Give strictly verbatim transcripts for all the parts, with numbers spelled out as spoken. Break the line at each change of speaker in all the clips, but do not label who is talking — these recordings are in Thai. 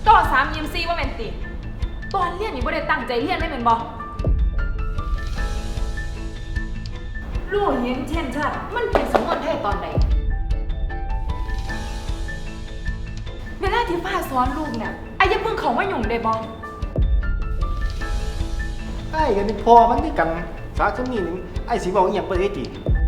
ต่อสามยิมซีว่าแม่นติตอนเรียนนี่บ่ได้ตั้งใจเรียนได้แม่นบ่รู้เห็นเช่นชัดมันเป็นสำนวนไทยตอนใดเวลาที่ป้าสอนลูกเนี่ยไอ้อย่าเพิ่งเขามายุ่งได้บ่
ไอ้กันเป็นพอมันด้วยกันสาสมีนึงไอ้สิบอกอีหยังบ่ได้ติ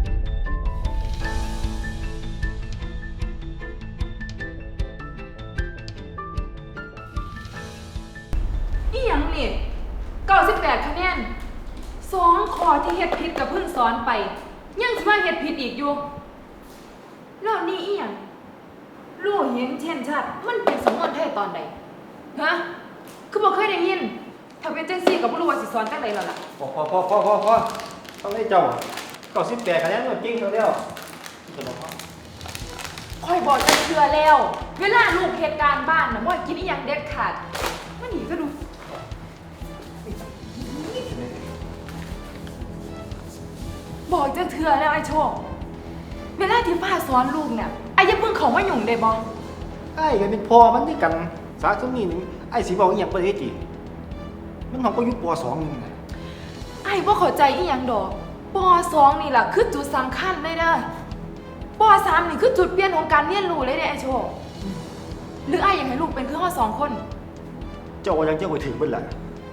อีหยังนี่เก้าสิบแปดคะแนนสองข้อที่เฮ็ดผิดกับเพิ่งสอนไปยังสิมาเฮ็ดผิดอีกอยู่แล้วนี่อีหยังรู้เห็นเช่นชัดมันเป็นสำนวนไทยตอนใดฮะคือบ่เคยได้ยินถ้าเป็นจังซี่ก็บ่รู้ว่าสิสอนจังไดแล้วล่ะ
พอพอพอพอพอพอต้องให้เจ้าเก้าสิบแปดคะแนนมันจริงแล้วแล้วจะบอกว่า
คอยบอกจะเชื่อแล้ว เวลาลูกเหตุการณ์บ้านนะว่ากินอีหยังเด็ดขาดมันหนีก็ดูบอกจะเชื่อแล้วไอ้โชคเวลาที่ป้าสอนลูกเนี่ยไอ้อย่าเพิ่งเขามายุ่งได้บ่
ไอ้กันเป็นพอมันด้วยกันสาสมีนึงไอ้สิบอกอีหยังบ่ได้ติมันของก็อยู่ป สอง นึงน่ะ
ไอ้บ่เข้าใจอีหยังดอกป สอง นี่ล่ะคือจุดสำคัญเลยเด้อป สาม นี่คือจุดเปลี่ยนของการเรียนรู้เลยเด้ไอ้โชคหรือไอ้อยากให้ลูกเป็นคือเฮาสองคน
เจ้ายังเจ้าก็ถึงเบิดล่ะ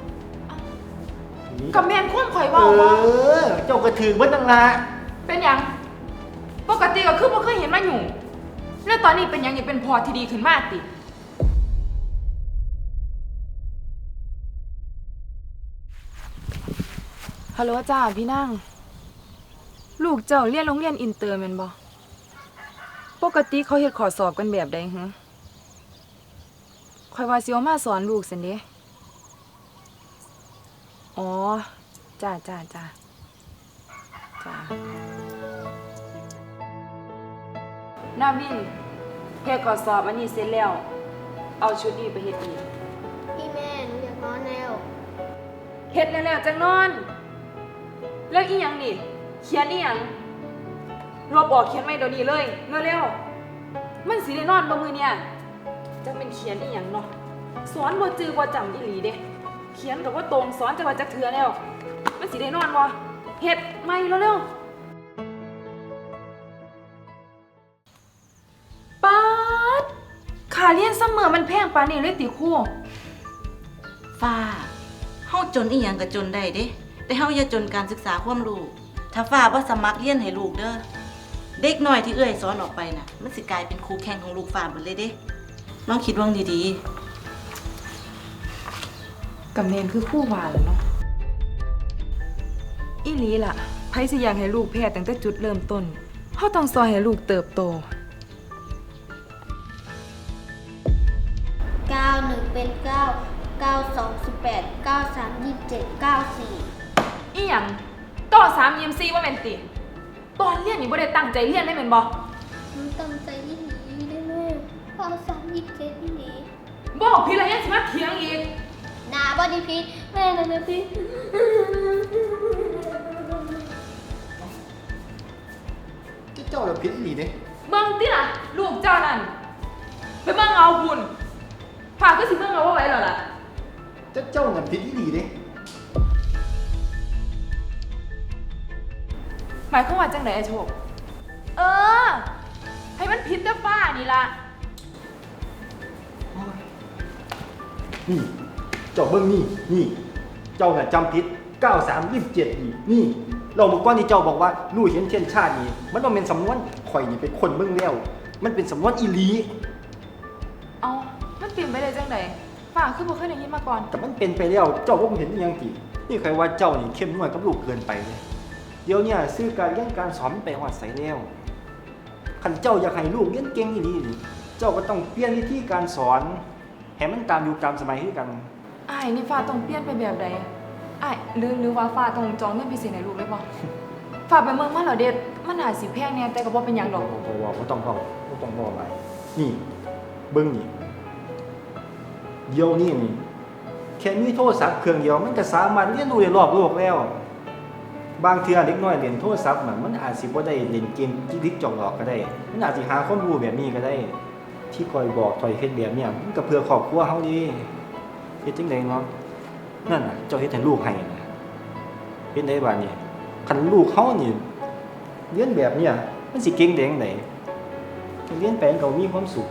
กับแม่นความข่อย
เอ
เว้าบ่
อเจ้าก็ถึงเบิดนั่นล่ะ
เป็นหยังปกติก็คือบ่เคยเห็นมาอยู่แล้วตอนนี้เป็นหยังนี่เป็นพอที่ดีขึ้นมากติฮัลโหลจ้าพี่นั่งลูกเจ้าเรียนโรงเรียนอินเตอร์แม่นบ่ปกติเขาเฮ็ดข้อสอบกันแบบใดหึข่อยว่าสิเอามาสอนลูกซั่นเด้อ๋อจ้าจ้าจ้าจ้านาวินเฮ็ดข้อสอบอันนี้เสร็จแล้วเอาชุดนี้ไปเฮ็ดอีก
พี่แม่หนูอยากนอนแล้ว
เฮ็ดแล้วๆจังนอนแล้วอีหยังนี่เขียนอีหยังลบออกเขียนใหม่เดี๋ยวนี้เลยเร็วๆมันสิได้นอนบ่มื้อเนี่ยจักเป็นเขียนอีหยังเนาะสอนบ่จือบ่จำอีหลีเด้เขียนก็บ่ตรงสอนจักว่าจักเทื่อแล้วมันสิได้นอนบ่เฮ็ดใหม่เร็วๆป๊าดค่าเรียนซัมเมอร์มันแพงปานนี้เลยติครู
ฟ้าเฮาจนอีหยังก็จนได้เด้แต่เฮาอย่าจนการศึกษาความรู้ถ้าฟ้าบ่สมัครเรียนให้ลูกเด้อเด็กน้อยที่เอื้อยสอนออกไปน่ะมันสิกลายเป็นครูแข่งของลูกฟ้าหมดเลยเด้ลองคิดว่างดี
ๆกำเนิดคือคู่ว่าแล้วเนาะอีหลีล่ะไผสิอยากให้ลูกแพ้ตั้งแต่จุดเริ่มต้นเฮาต้องสอนให้ลูกเติบโต
เก้า หนึ่งเป็นเก้า เก้า สอง สิบแปด เก้า สาม ยี่สิบเจ็ด เก้า สี่
อีหยังต่อสามยิมซีว่าแม่นติตอนเรียนนี่บ่ได้ตั้งใจเรียนได้แม่นบ่
หนูตั้งใจที่หนีได้แม่เก้า สาม ยี่สิบเจ็ดที่หนี
บอกพี่แล้วยังสิมาเถียงอีก
นาบอดีพีแม่นะนะพี่
เจ้าเราผิดอีหลีเด้
เบิ่งติล่ะลูกเจ้านั่นไปเบิ่งเอาพุ่นพาก็สิเบิ่งเอาว่าไว้แล้วล่ะ
เจ้าเจ้าน่ะผิดอีหลีเด้
หมายความว่าจังได๋ไอ้โชคเออให้มันผิดแต่ฟ้านี่ล่ะ
นี่เจ้าเบิ่งนี่นี่เจ้าน่ะจำผิดเก้า สาม ยี่สิบเจ็ดนี่นี่เราเมื่อก่อนที่เจ้าบอกว่ารู้เห็นเช่นชาตินี่มันบ่แม่นสำนวนข่อยนี่เป็นคนเบิ่งแล้วมันเป็นสำนวนอีหลี
เอ้ามันเปลี่ยนไปได้จังได๋ฟ้าคือบ่เคยได้ยินมาก่อน
แต่มันเป็นไปแล้วเจ้าบ่เห็นอีหยังตินี่ใครว่าเจ้านี่เข้มงวดกับลูกเกินไปเลยเดี๋ยวนี้ซื้อการเรียนการสอนไปฮอดไสแล้วคันเจ้าอยากให้ลูกเรียนเก่งอีหลีนี่เจ้าก็ต้องเปลี่ยนวิธีการสอนให้มันตามยุคตามสมัยคือกัน
อ้ายนี่ฟ้าต้องเปลี่ยนไปแบบใดอ้ายหรือหรือว่าฟ้าต้องจองเงินพิเศษให้ลูกเลยบ่ฟ้าไปเมืองมาแล้วเด็ดมันอาจสิแพงแน่แต่ก็บ่เป็นหยังดอก
บ่ว่าบ่ต้องเว้าบ่ต้องเว้าอะไรนี่เบิ่งนี่เดี๋ยวนี้นี่แค่มีโทรศัพท์เครื่องเดียวมันก็สามารถเรียนรู้ได้รอบโลกแล้วบางเทื่อเด็กน้อยเล่นโทรศัพท์มันมันอาจสิบ่ได้เล่นเกมจิกจอกหลอกก็ได้มันอาจสิหาความรู้แบบนี้ก็ได้ที่ที่คอยบอกคอยเฮ็ดแบบเนี่ยมันก็เพื่อครอบครัวเฮาดีเฮ็ดจังไดเนาะนั่นน่ะเจ้าเฮ็ดให้ลูกให้นะเฮ็ดได้บาดนี้คันลูกเฮานี่เรียนแบบเนี่ยมันสิเก่งได้จังไดเรียนไปมันก็มีความสุข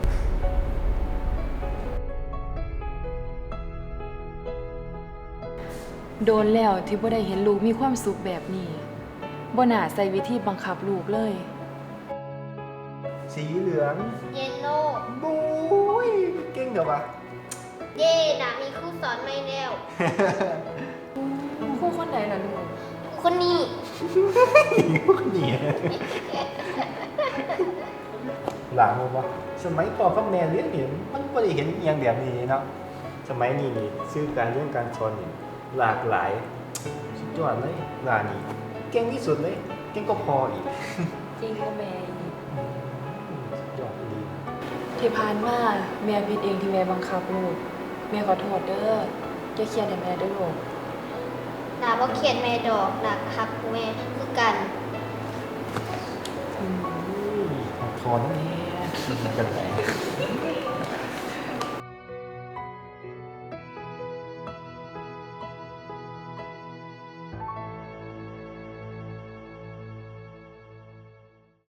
โดนแล้วที่บ่ได้เห็นลูกมีความสุขแบบนี้บ่น่าใส่วิธีบังคับลูกเลย
สีเหลือง
เยลโล่
บุ้ยเก่งเด้อวะ
เย่นะมีครูสอนไม่แล้ว
ครูคนใดล่ะลูก
คนนี้
พวกนี้หลังบ่สมัยก่อนพ่อแม่เรียนเห็นมันบ่ได้เห็นอหย่างแบบนี้เนาะสมัยนี้นี่ชื่อการเรียนการสอนนี่หลากหลายสุดยอดเลยร้านนี้เก่งที่สุดเลยเก่งก็พออีก
จริงก็แม่
สุดยอดดี
ที่ผ่านมาแม่ผิดเองที่แม่บังคับลูกแม่ขอโทษเด้ออย่าเครียดให้แม่เด้อลูก
หนาบ่เขียนแม่ดอกหนักคักแม่คือกัน
อืมพอแล้วเนี่ยกันไป